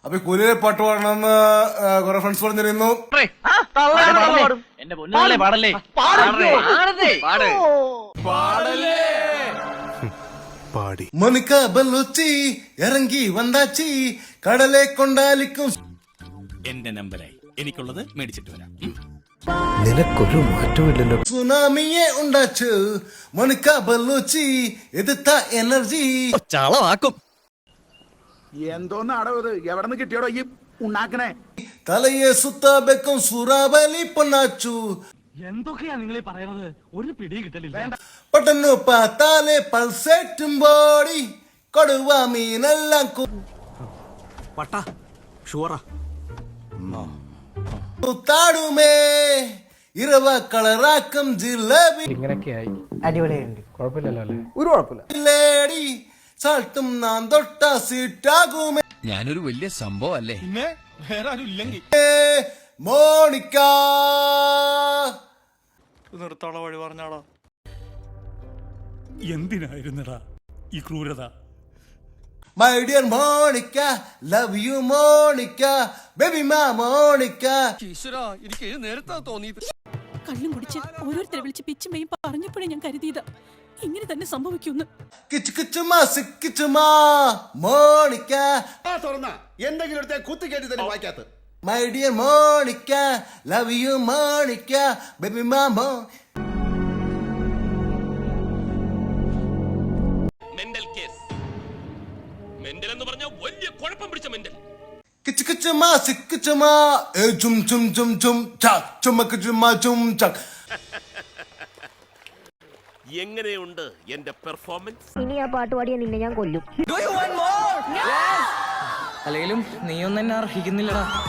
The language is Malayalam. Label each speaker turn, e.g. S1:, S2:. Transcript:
S1: അപ്പൊ കൂലിയിലെ പാട്ട് പാടണമെന്ന് കുറെ ഫ്രണ്ട്സ് പറഞ്ഞിരുന്നു. മോനിക്ക ബല്ലുച്ചി ഇറങ്ങി വന്നാച്ചി കടലെ കൊണ്ടാലിക്കും.
S2: എന്റെ നമ്പരായി എനിക്കുള്ളത് മേടിച്ചിട്ട് വരാം.
S3: നിനക്കൊരു മാറ്റമില്ലല്ലോ.
S1: സുനാമിയെ ഉണ്ടാച്ചു മോനിക്ക ബല്ലുച്ചി എതിർത്ത എനർജി
S3: ചളവാക്കും.
S4: എന്തോന്നാടോ ഇത്? എവിടെ നിന്ന് കിട്ടിയോടോ ഈ ഉണ്ടാക്കണേ?
S1: തലയെ സുത്തബെക്കും സുറാബലി പൊന്നാച്ചു.
S5: എന്തൊക്കെയാ നിങ്ങൾ പറയുന്നത്? ഒരു പിടി കിട്ടലില്ല.
S1: പെട്ടെന്ന് പാത്താലെ പൾസേറ്റും ബോഡി കൊടുവ മീനെല്ലാം കൂത്താടുമേ ഇരവ കളറാക്കും ജിലേബി.
S3: ഇങ്ങനെയൊക്കെയായി
S6: അടിപൊളിയുണ്ട്.
S3: കുഴപ്പമില്ലല്ലോ അല്ലേ?
S6: ഒരു കുഴപ്പമില്ല.
S1: ലേഡി സാൾട്ടും നാൻ തൊട്ട സീറ്റാകുമേ.
S2: ഞാനൊരു വലിയ സംഭവം അല്ലേ? പിന്നെ വേറെ ആരും ഇല്ലെങ്കിൽ
S1: മോണിക്ക
S2: നിർത്താള വഴി പറഞ്ഞാളാ. എന്തിനായിരുന്നടാ ഈ ക്രൂരത?
S1: My dear Monica love you Monica baby മാ മോണിക്ക.
S2: എനിക്ക് നേരത്തെ തോന്നിയത്
S7: കള്ളും കുടിച്ച് ഓരോരുത്തരെ വിളിച്ച് പിച്ചും മെയും പറഞ്ഞപ്പോഴേ ഞാൻ കരുതിയതാ ഇങ്ങനെ തന്നെ സംഭവിക്കുന്നു.
S1: കിച്ചുമാ സിക്കിച്ചുമാ മോണിക്ക
S4: എന്തെങ്കിലും എടുത്ത കുത്തി കേട്ടി തന്നെ വായിക്കാത്ത.
S1: My dear Monica love you Monica baby മാ മോ.
S8: Mental case. മെന്റൽ എന്ന് പറഞ്ഞാൽ വലിയ കുഴപ്പം പിടിച്ച മെന്റൽ.
S1: കിച്ചുമാ സിക്കിച്ചുമാ ചും ചും ചും ചും ചാക് ചുമക്ക് ചുമ്മാ ചും ചാക്.
S8: എങ്ങനെയുണ്ട് എന്റെ പെർഫോമൻസ്?
S9: ഇനി ആ പാട്ട് പാടിയ നിന്നെ ഞാൻ കൊല്ലും.
S6: അല്ലെങ്കിലും നീയൊന്നും എന്നെ അർഹിക്കുന്നില്ലടാ.